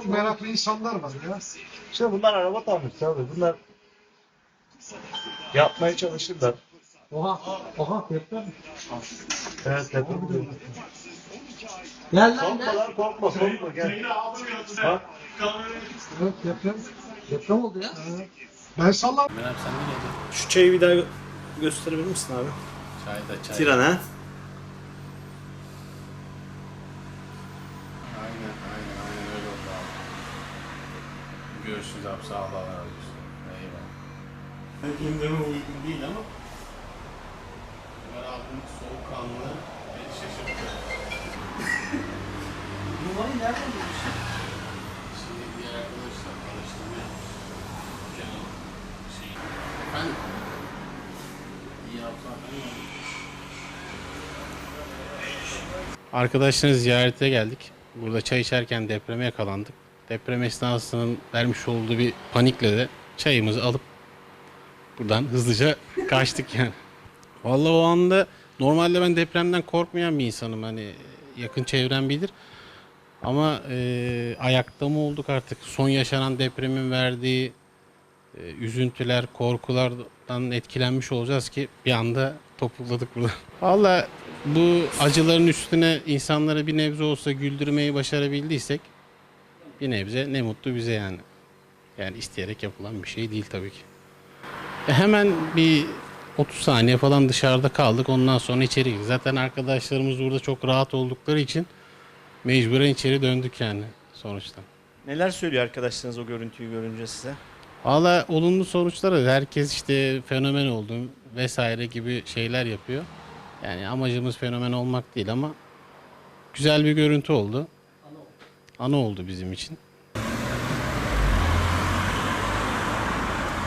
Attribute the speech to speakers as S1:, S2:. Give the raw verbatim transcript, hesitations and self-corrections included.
S1: Çok meraklı insanlar var ya.
S2: İşte bunlar araba tamircisi abi. Bunlar yapmaya çalışırlar.
S1: Oha, oha deprem.
S2: Evet deprem oluyor.
S1: Gel lan
S2: Korkma
S1: gel.
S2: lan korkma korkma gel. Bak.
S1: Evet deprem. Deprem oldu ya. Ben sallam.
S3: Meral sen ne geldin?
S2: Şu çayı bir daha gö- gösterebilir misin abi?
S3: Çay da çay.
S2: Tiran ha?
S3: Aynen aynen aynen öyle oldu abi. Görüşürüz abi sağ ol Allah razı olsun. Eyvallah. Gündeme uygun değil ama Ömer abinin soğukkanlı beni şaşırttı.
S1: Numarayı nereden bulmuşsun?
S3: Şimdi diğer arkadaşlar araştırma yapmış. Canım şey. Efendim? İyi yapsan Arkadaşlarını ziyarete geldik. Burada çay içerken depreme yakalandık. Deprem esnasının vermiş olduğu bir panikle de çayımızı alıp buradan hızlıca kaçtık yani. Vallahi o anda normalde ben depremden korkmayan bir insanım. Hani yakın çevrem bilir. Ama e, ayakta mı olduk artık? Son yaşanan depremin verdiği e, üzüntüler, korkulardan etkilenmiş olacağız ki bir anda topukladık burada. Vallahi bu acıların üstüne insanları bir nebze olsa güldürmeyi başarabildiysek bir nebze ne mutlu bize yani. Yani isteyerek yapılan bir şey değil tabii ki. E hemen bir otuz saniye falan dışarıda kaldık. Ondan sonra içeri girdik. Zaten arkadaşlarımız burada çok rahat oldukları için mecburen içeri döndük yani sonuçta.
S2: Neler söylüyor arkadaşlarınız o görüntüyü görünce size?
S3: Valla olumlu sonuçları herkes işte fenomen oldum vesaire gibi şeyler yapıyor. Yani amacımız fenomen olmak değil ama güzel bir görüntü oldu. Ana oldu bizim için.